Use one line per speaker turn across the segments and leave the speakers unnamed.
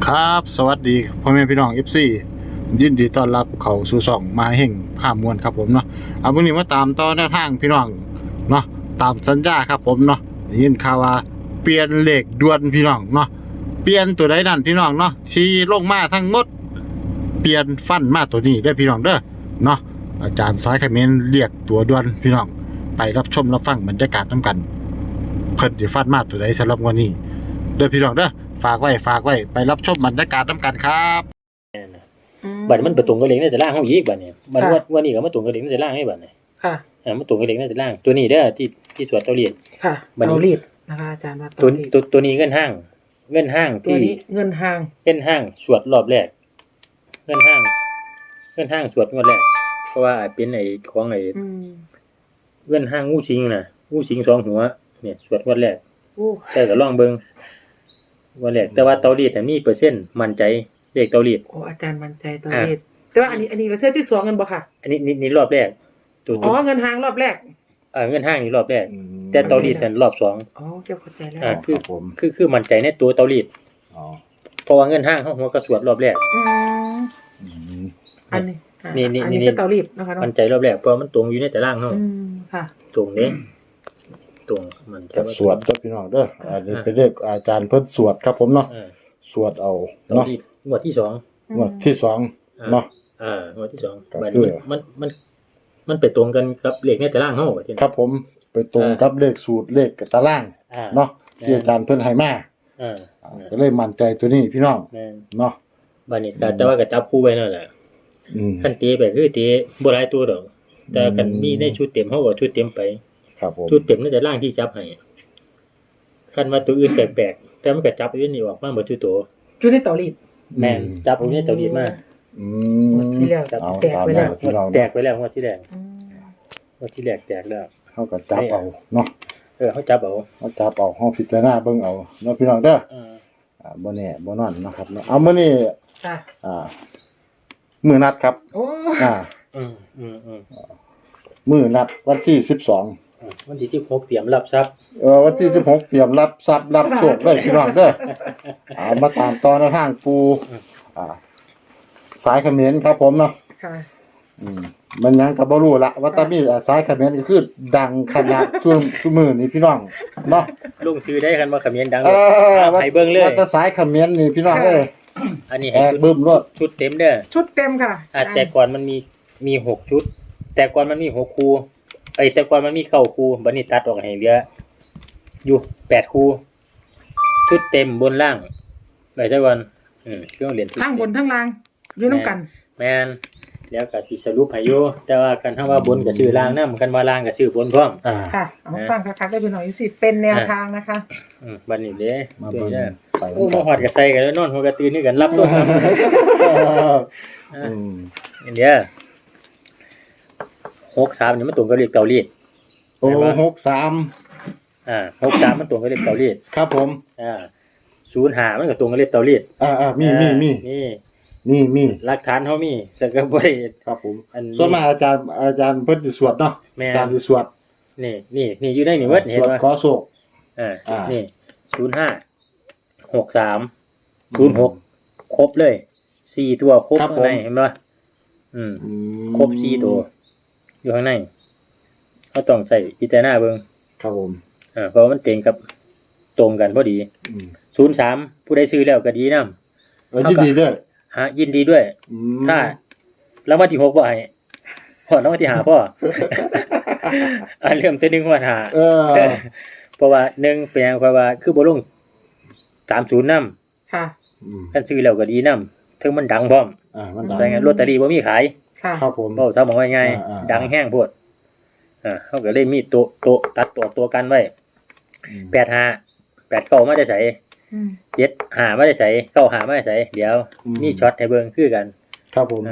ครับสวัสดีพ่อแม่พี่น้อง FC ยินดีต้อนรับเข้าสู่ช่องมาแห่งภาพมวลครับผมเนาะเอาวันนี้มาตามต่อแนวทางพี่น้องเนาะตามสัญญาครับผมเนาะได้ยินข่าวว่าเปลี่ยนเลขด่วนพี่น้องเนาะเปลี่ยนตัวใดนั่นพี่น้องเนาะที่ลงมาทั้งหมดเปลี่ยนฟันมาตัวนี้ได้อพี่น้องเด้อเนาะอาจารย์สายคอมเมนต์เรียกตัวด่วนพี่น้องไปรับชมรับฟังบรรยากาศนํกันเพิ่นสิฟันมาตัวใดสำหรับวันนี้เด้อพี่น้องเด้อฝากไว้ไปรับชมบรรยากาศนํกันครับ
บัดมันไปตรงกับเหล็กในแต่ล่างเฮาอีกบัดนี้บัดวันนี้ก็มาตรงกับเหล็กในแต่ล่างให้บัดนี้
ค่ะ
มาตรงกับเหล็กในแต่ล่างตัวนี้เด้อที่สวดเตารีด
ค่ะเตารีดนะคะอาจารย์ว่า
ตัวนี้เงินห้าง
ตัวนี้เงินห้าง
สวดรอบแรกเงินห้างสวดงวดแรกเพราะว่าเป็นไอ้ของไอ้เงินห้างงูสิงน่ะงูสิง2หัวเนี่ยสวดงวดแรกแต่ก็ลองเบิ่งงวดแรกแต่ว่าเตารีดมีเปอร์เซ็นต์มั่นใจเลขเตารีด
โอ้อาจารย์มั่นใจเตารีดแต่ว่าอันนี้เราเทื่อที่2กันบ่ค่ะ
อันนี้รอบแรก
อ๋อเงินห้างรอบแรก
เงินห้างนี่รอบแรกแต่เตารีดเป็นรอบ2
อ๋อเจ้าเข้าใจแล้ว
คือมั่นใจในตัวเตารีดเพราะว่าเงินห้างเฮาหัวกระสวดรอบแรก
อันนี้คือเตารีดนะคะ
มั่นใจรอบแรกเพราะมันตรงอยู่ในแต่ล่างเฮา
ค่ะ
ตรงนี้ตรงมัน
จะสวดพี่น้องเด้ออันนี้เป็นเลขอาจารย์เพิ่นสวดครับผมเนาะสวดเอาเนาะ
งวดที่2
งวดที่2เนาะ
งวดที่2บัดนี้มันไปตรงกันกับเลขในตารางเฮา
ครับผมไปตรงกับเลขสูตรเลขตารางเนาะที่อาจารย์เพิ่นให้มาก็เลยมั่นใจตัวนี้พี่น้องเนาะ
บัดนี้แต่ว่าก็จับคู่ไว้นั่นแหละคันตีไปคือตีบ่หลายตัวดอกแต่คันมีในชุดเต็มเฮาก็ชุดเต็มไป
ครับผม
ชุดเต็มในตารางที่จับให้คันว่าตัวอื่นแปลกๆแต่มันก็จับอยู่นี่ออกมาหมดทุกตัว
ชุดในเตารีด
แม่นจับอยู่ในเตารีดมา
ที่แล้วแตกไปแล้ว
งวดที่แรกแตกแล้ว
เฮาก็จับเอาเนาะ
เฮาจับเอา
เฮาพิจารณาเบิ่งเอาเนาะพี่น้องเด้อบ่แน่บ่นอนนะครับเนาะเอามื้อนี้มื้อนัดครับ
โอ้
มื้อนัดวันที่12
วันที่16เตรียมรับทรัพย์
วันที่16เตรียมรับทรัพย์รับโชคเลยพี่น้องเด้อมาตามต่อในทางปูสายเขมรครับผมเนาะ
ค่ะ
มันยังก็บ่รู้ละว่าตามีสายเขมรก็คือดังขนาดช่วงมื้อนี้พี่น้องเนาะ
ลงซื้อได้กันว่าเขมรดังให้เบิ่งเลย
ว่าแต่สายเขมรนี่พี่น้องเอ้ย
อันนี้ให้
บึ้มรถ
ชุดเต็มเด้อ
ชุดเต็มค่ะ
แต่ก่อนมันมี6ชุดแต่ก่อนมันมี6คู่แต่ก่อนมันมี9คู่บัดนี้ตัดออกให้เหลืออยู่8คู่ชุดเต็มบนล่างได้จักวันเครื่องเรียน
ทั้งบนทั้งล่างอยู่นำกัน
แม่นแล้วก็สิสรุปให้อยู่แต่ว่ากันถ้าว่าบนก็ชื่อล่างนำกันว่าล่างก็ชื่อบนพร้อม
ค่ะเอามาฟังคักๆได้พี่น้องสิเป็นแนวทางนะคะ
บัดนี้เด้มาเบิ่งไปมาฮอดก็ใส่กันแล้วนอนหัวก็ตื่นนี่กันรับตัวเดี๋ยว63นี่มันตรงกับเลขเกาหลี
โอ้63
63มันตรงกับเลขเกาหลี
ครับผม
05มันก็ตรงกับเลขเกาหลี
มี
หลักฐานเฮามีแต่ก็บ่ได้
ครับผมส่วนมากอาจารย์เพิ่นสิสวดเนาะอาจารย์สิสวด
นี่อยู่ในนี่เบิดเห็นบ่
ขอโชค
นี่05 63 06ครบเลย4ตัวครบข้างในเห็นบ่ครบ4ตัวอยู่ข้างในเขาต้องใส่พิจารณาเบิ่ง
ครับผม
เพราะมันเต็งกับตรงกันพอดี03ผู้ใดซื้อแล้วก็ดีนำ
ยินดีด้วย
ยินดีด้วยถ้ารางวัลที่6บ่ให้พอรางวัลที่5พ่อเริ่มแต่1วัน5เพราะว่า1เป็นหยังเพราะว่าคือบ่ลง30นำ
ค่ะ
คันซื้อแล้วก็ดีนำถึงมันดังพร้อม
มันดัง
ใช่ไงลอตเตอรี่บ่มีขาย
ครับผม
เว้าซะบอกว่าไงดังแห้งโพดเฮาก็เลยมีโตตัดตัวกันไว้85 89มาได้ใส่75มาได้ใส่95มาได้ใส่เดี๋ยวมีช็อตให้เบิ่งคือกัน
ครับผม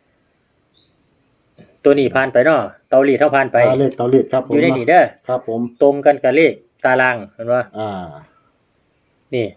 ตัวนี้ผ่านไปเนาะเตารีดเท่าผ่านไป
เลขเตารีดครับผม
อยู่ในนี่เด้อ
ครับผม
ตรงกันกับเลขตารางเห็นบ่นี่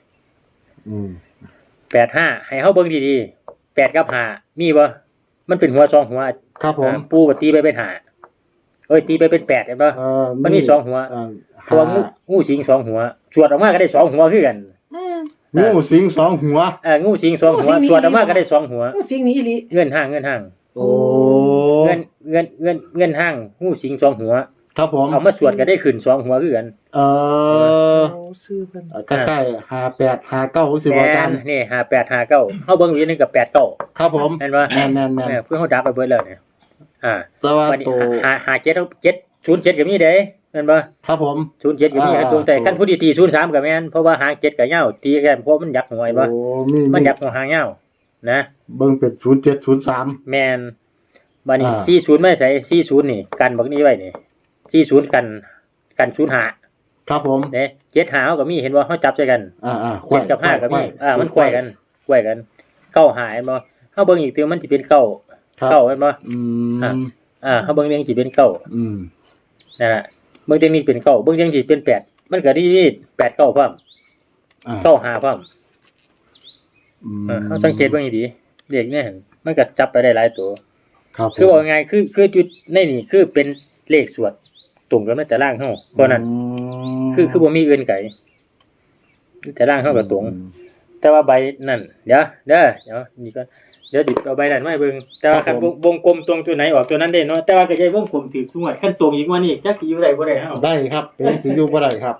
85ให้เฮาเบิ่งดีๆ8กับ5มีบ่มันเป็นหัว2หัว
ครับผม
ปูก็ตีไปเป็น5ตีไปเป็น8เห็นบ่มันมี2หัวตัวงูสิง2หัวสวดออกมาก็ได้2หัวคือกัน
งูสิงสองหัว
งูสิงสองหัวสวดออกมาก็ได้สองหัว
สิ่งนี้อีหลี
เงินห้าง
โอ้
เงินห้างงูสิงสองหัว
ครับผม
เอามาสวดก็ได้ขึ้นสองหัวคือกัน
เออ
โอ้ซื้อเพิ่น
ใกล้ๆ58 59สิบ่
แม่
อาจาร
น
ย์
นี่5859เฮาเบิ่งอยู่นึงกับ89
ครับผม
เห็นบ่
แม่น
เพื่อเฮาดับไปเบิดแล้วเนี่ย
แต่ว่า
วันนี้
ตัว
707ก็มีเด้แม่นบ่
ครับผม
07ก็มีดวงแต่คันผู้ที่ตี03ก็แม่นเพราะว่าหาง7ก็ยาวตีกันเพราะมันยักหัวไอ้บ่
โอ้มี
มันยักหัวหางยาวนะ
เบิ่งเป็น0703
แม่นบัดนี้
อ่า
40ไม่ใส่40นี่กันบักนี้ไว้นี่40กัน05
ครับผม
เด้75เฮาก็มีเห็นบ่เฮาจับใส่กัน 7กับ5ก็มีมันควายกันเก้าหายบ่เฮาเบิ่งอีกตัวมันสิเป็นเก้า
ครับ
เก้าแม่นบ่
อืม
เฮาเบิ่งเรื่องสิเป็นเก้า
อืม
นั่นน่ะเบิ่งเรื่องนี้เป็นเก้าเบิ่งเรื่องสิเป็น8มันก็ดี8 9พร้อม
อ่า
เก้าหาพร้อม
อืม
เฮาสังเกตเบิ่งให้ดีเลขเนี่ยมันก็จับไปได้หลายตัว
ครับผม
คือว่าไงคือจุดในนี่คือเป็นเลขสวดตรงกันในแต่ล่างเฮาเพราะนั้นคือบ่มีอื่นไกลแต่ล่างเฮาก็ตรง แต่ว่าใบนั่นเดี๋ยวนี่ก็เดี๋ยวสิเอาใบนั้นมาให้เบิ่งแต่ว่าคันวงกลมตรงตัวไหนออกตัวนั้นได้เนาะแต่ว่าก็จะวงกลมถือสงวดขั้นตรงอีกว่านี่จักสิอยู่ได้บ่ได้เฮา
ได้ครับเป็นสิอยู่บ่ได้ครับ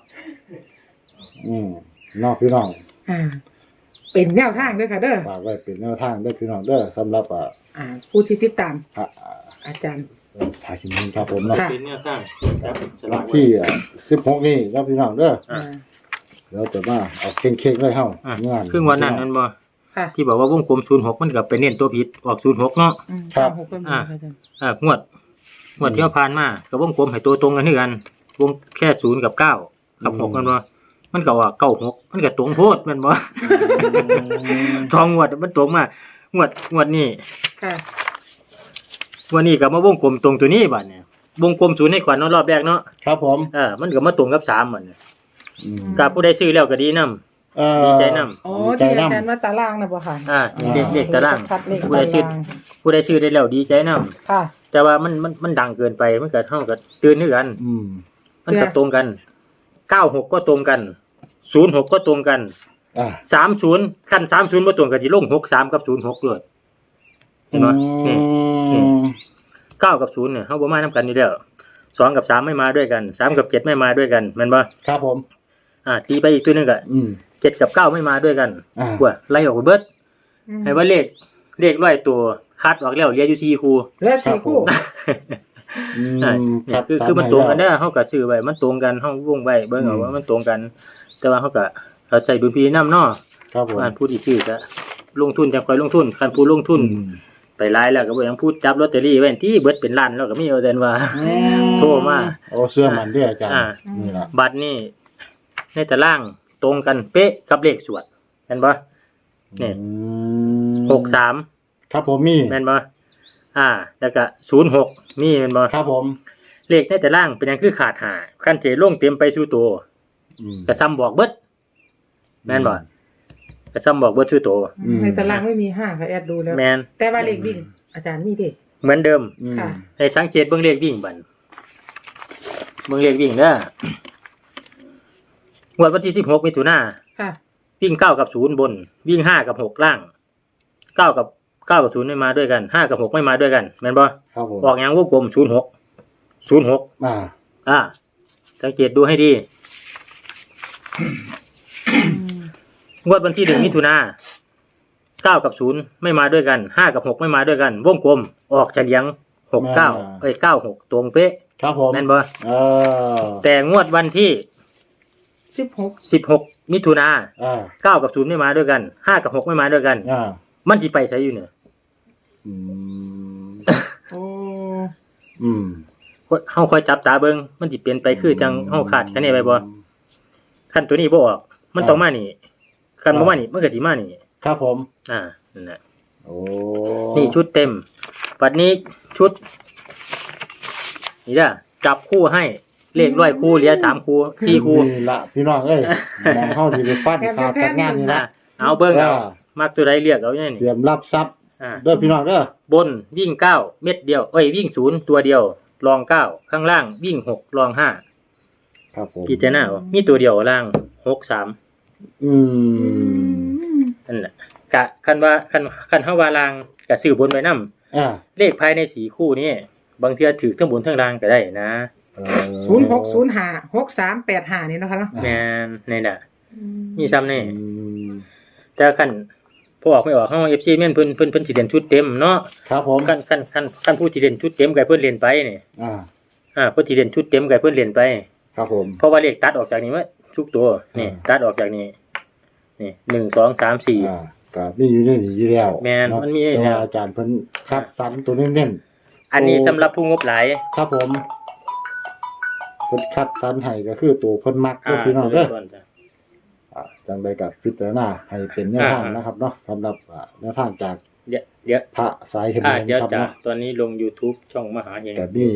น้องพี่น้อง
เป็นแนวทางเด้อค่ะเด้อ
ฝากไว้เป็นแนวทางเด้อพี่น้องเด้อสำหรับ
ผู้ที่ติดตาม อาจารย์
สายกินครับผมเนาะ
ค่ะ
เป็นแนวทางจับฉลากไว้
ที่16นี่ครับพี่น้องเด้อ
อ่า
เดี๋ยวจะมาเอาเค้งๆเลยเฮา
อ่ะครึ่งวันนั้นนั่นบ่
ค่ะ
ที่บอกว่าวงกลม06มันก็ไปเน้นตัวผิดออก06เนาะ
ครับ
หกเป็นอาจารย์
งวดที่ผ่านมาก็วงกลมให้ตัวตรงกันคือกันวงแค่0กับ9กับ6กันบ่มันก็ว่า96มันก็ตรงโพดแม่นบ่ ทองงวดมันตรงมางวดนี้
ค่ะ
วันนี้ก็มาวงกลมตรงตัวนี้บัดเนี่ยวงกลม0ให้ขวัญเนาะรอบแรกเนาะ
ครับผม
มันก็มาตรงกับ3บัดเนี่ย
อืม
กับผู้ใดซื้อแล้วก็ดีนำ ดีใจนำ
อ๋อที่อาจารย์ว่าตารางนะบ่ค่ะ
นี่เลขตาราง
คัดเลข
ผู้
ตา
ใดซื้อ
ราง
ผู้ใดซื้อได้แล้วดีใจนำ
ค่ะ
แต่ว่ามันดังเกินไปมันก็เฮาก็ตื่นคือกัน
อืม
มันก็ตรงกัน96ก็ตรงกัน06ก็ตรงกัน 30คัน30บ่ตรงก็สิลง63กับ06เลยเห็นบ่นี่ 9กับ0เนี่ยเฮาบ่มานํกันอยู่แล้ว2กับ3ไม่มาด้วยกัน3กับ7ไม่มาด้วยกันแม่นบ่
ครับผม
ตีไปอีกตัวหนึงก็ 7กับ9ไม่มาด้วยกัน กว่าไล่ออกไปเบิดให้ว่าเลข100ตัวคัดออกแล้วเหลืออยู่4คู่
และสี่คู่
คือมันตรงกันเด้อเฮาก็ซื้อไว้มันตรงกันเฮาวงไว้เบิ่งเอาว่ามันตรงกัน แต่ว่าเฮาก็เข้าใจดุลพินิจนำเนาะ
ครับผม
ว่าผู้ที่ซื้อก็ลงทุนจังค่อยลงทุนคันผู้ลงทุนไปหลายแล้วก็บ่ยังพูดจับลอตเตอรี่ไว้ที่เบิดเป็นล้านแล้วก็มีเอาแต่ว่าโทรมา
โอ้เสื้อมันด้วยอาจารย์
อ่า
นี่ล่ะ
บัตรนี่ในตารางตรงกันเป๊ะกับเลขสวดเห็นบ่นี่63
ครับผมมี
แม่นบ่แล้วก็06มีแม่นบ่
ครับผม
เลขในตารางเป็นหยังคือขาดหาคันเจลงเต็มไปสู่ตัวก็ซ้ำบอกเบิดแม่นบ่ก็ซ้ำบอกเบิดสู่ตัว
ในตารางไม่มีห้าค่ะแอดดูแล้ว
แม่น
แต่ว่าเลขวิ่งอาจารย์มีเด็ก
เหมือนเดิม
ค่ะ
ให้สังเกตเบิ่งเลขวิ่งบัดเบิ่งเลขวิ่งเด้องวดวันที่16มิถุนายน
ค่ะ
วิ่ง9กับ0บนวิ่ง5กับ6ล่าง9กับ0ไม่มาด้วยกัน5กับ6ไม่มาด้วยกันแม่นบ่
ครับผม
ออกหยังวงกลม06 สังเกตดูให้ดีงวดวันที่1มิถุนายน9กับ0ไม่มาด้วยกัน5กับ6ไม่มาด้วยกันวงกลมออกเฉลียง96ตรงเป๊ะ
ครับผม
แม่นบ่
แต่
แต่งวดวันที่ 16มิถุนายน9กับ0ไม่มาด้วยกัน5กับ6ไม่มาด้วยกันมันสิไปไสอยู่เนี่ย
โอ้
เฮาค่อยจับตาเบิ่งมันสิเปลี่ยนไปคือจังเฮาคาดคะเนไว้บ่คันตัวนี้บ่ออกมันต้องมานี่คันบ่มานี่มันก็สิมานี่
ครับผม
นั่นน่ะ
โอ้
นี่ชุดเต็มบัดนี้ชุดนี่จ้ะจับคู่ให้เลข100คู่เหลือ3คู่4คู่
นี่ละพี่น้องเอ้ยมองเข้าสิไปฟันขาดงานนี่ละ
เอาเบิ่งเอามักตัวใดเรียกเอาอย่าง
เตรี
นี้
ยมรับทรัพย์เด้อพี่น้องเด้อบ
นวิ่ง9เม็ดเดียววิ่ง0ตัวเดียวรอง9ข้างล่างวิ่ง6รอง5
ครับผม
พิจารณาเอามีตัวเดียวล่าง63
อืม
นั่นแหละกะคันว่าคันเฮาว่าลางก็ซื้อบนไว้นำ
อ่า
เลขภายใน4คู่นี้บางเทื่อถูกทั้งบนทั้งล่างก็ได้นะ
06056385นี่เนาะค่ะเนาะ
แม่นนี่น่ะ
อืม
มีซ้ำนี่
อืม
แต่คันพอออกไม่ออกเฮา FC แม่นเพิ่นสิเล่นชุดเต็มเนาะ
ครับผม
คันผู้ที่เล่นชุดเต็มก็ให้เพิ่นเล่นไปนี่ เพิ่นสิเล่นชุดเต็มก็ให้เพิ่นเล่นไป
ครับผม
เพราะว่าเลขตัดออกจากนี้ว่าทุกตัวนี่ตัดออกจากนี้นี่1 2 3 4
ก็มีอยู่ในนี้อยู่แล้ว
แม่น
เาะ
มันมี
แต่
แล้ว
ว่าอาจารย์เพิ่นคัดสรรตัวเน้น
อันนี้สำหรับผู้งบหลาย
ๆครับผมเพิ่นคัดสรรให้ก็คือตัวเพิ่นมักก็พี่น้องเด้อ
ส่วนจ้ะ
จังใดก็พิจารณาให้เป็นแนวทางนะครับเนาะสำหรับแนวทางจาก
เดี๋ยว
พระสายเห็น
เดี๋ยว
ครับ
จ้ะ
เนาะ
ตอนนี้ลง YouTube ช่องมหาเฮง
ก็มี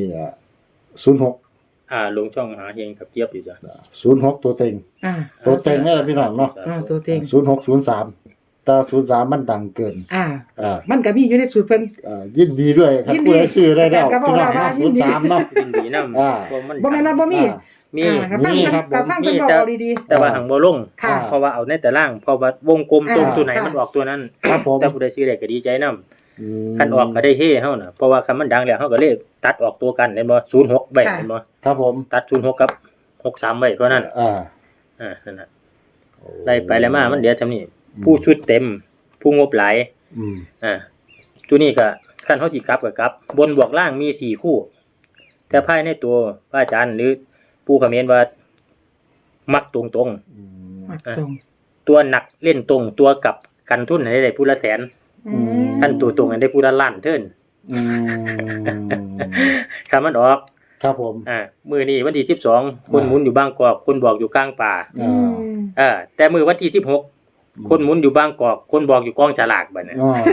06
ลงช่องมหาเฮงกับเจี๊ยบอยู่จ้ะ
06ตัวเต็ง
อ่า
ตัวเต็งนี่แหละพี่น้องเนาะ
ตัวเต็ง
0603แต่03มันดังเกิน
อ่า
อ่า
มันก็มีอยู่ในสูตรเพิ่น
ยินดีด้วยครับ
ยินดี
ผู้ใดซื้อได้แล้ว
ก็บอก
พี่น้อง
ว่า
เนาะ
ยินดี
03เนาะ
ยินดีนำ
อ่า
บ่แม่นว่าบ่มี
มี
ก็ฟัง
มี
เพิ่น
ครับผม
ก็ฟังเพิ่นบอกเอาดี
แต่ว่าหังบ่ลง
ค่ะ
เพราะว่าเอาในแต่ล่างเพราะว่าวงกลมตรง
อ่า
ตัวไหน
ค่ะ
มันออกตัวนั้น
ครับผม
แต่ผู้ใดซื้อได้ก็ดีใจนำ
อืม
คันออกก็ได้เฮ้เฮาน่ะเพราะว่าคันมันดังแล้วเฮาก็เลยตัดออกตัวกันเห็นบ่06ไว้เห็นบ่
ครับผม
ตัด06กับ63ไว้เท่านั้น นั่นน่ะไล่ไปแล้วมามันเดี๋ยวซำนี้ผู้ชุดเต็ม ผู้งบหลาย
อืม
ตัวนี้ก็คันเฮาสิกลับก็กลับ บนบวกล่างมี4คู่ แต่ภายในตัวพระอาจารย์หรือผู้คอมเมนต์ว่ามักตรง
อืม
ๆมักตรง
ๆตัวหนักเล่นตรงตัวกลับกันทุนให้ได้ผู้ละแสน
อืม
คันตัวตรงให้ได้ผู้ละล้านเทิน
อืม
คันมันออก
ครับผม
มื้อนี้วันที่12คนหมุนอยู่บางกอกคนบอกอยู่กลางป่า
อืม
แต่มื้อวันที่16คนหมุนอยู่บางกอกคนบอกอยู่กองฉลากบัดนี้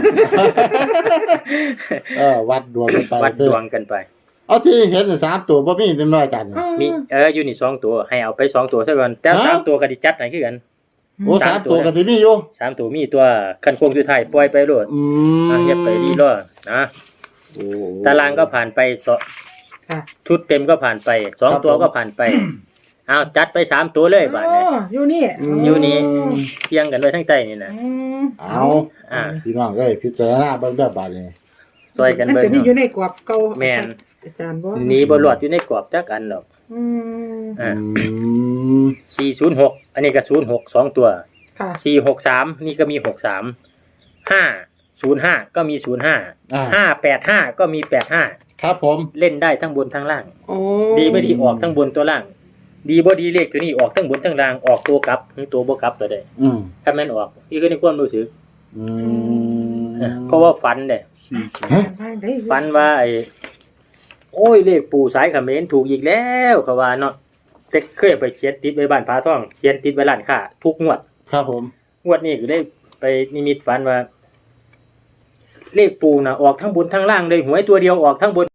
วัดดวงกันไป
วัดดวงกันไป
เอาที่เห็น3ตัวบ่มีเต็มร้อยจัน
มีอยู่นี่2ตัวให้เอาไป2ตัวซะก่อนแต่
ฮะ
3ตัวก็สิจัดให้คือกัน
โอ้3ตัวก็สิมีอยู่
3ตัวมีตัวคันโค้งสุดท้ายปล่อยไปโลด
อืม
อย่าไปรีรอนะ
โอ้
ตารางก็ผ่านไป
ค่ะ
ชุดเต็มก็ผ่านไป2ตัวก็ผ่านไปเอาจัดไป3ตัวเลยบาดนี้
อยู่นี่
อยู่นี่เที่ยงกันไว้ทั้งใจนี่นะ
อืม
เอา
อ่า
พี่น้องเอ้ยพิจารณาเบิ่งเด้อบาดนี้
ซอยกัน
มัน
เบิ่ง
จะมีอยู่ในกรอบเก่า
แม่น
อาจารย์บ่
หนีบ่รอดอยู่ในกรอบจักอันดอก
อืม
อ่า
อืม
406อันนี้ก็06 2ตัว
ค่ะ
463นี่ก็มี63 505ก็มี05 585ก็มี85
ครับผม
เล่นได้ทั้งบนทั้งล่าง
โอ้
ดีไม่ดีออกทั้งบนตัวล่าง ดีบ่ดีเลขตัวนี้ออกทั้งบนทั้งล่างออกตัวกลับหรือตัวบ่กลับก็ได้
อืม
ถ้าแม่นออกนี่คือในความรู้สึก
อืม
เพราะว่าฝันเด้
ฮะ
ฝันว่าโอ้ยเลขปู่สายเขมรถูกอีกแล้วเขาว่าเนาะแต่เคยไปเขียนติดไว้บ้านพาท่องเขียนติดไว้ร้านค้าทุกงวด
ครับผม
งวดนี้ก็ได้ไปนิมิตฝันว่า เลขปู่น่ะออกทั้งบนทั้งล่างเลยหวยตัวเดียวออกทั้งบน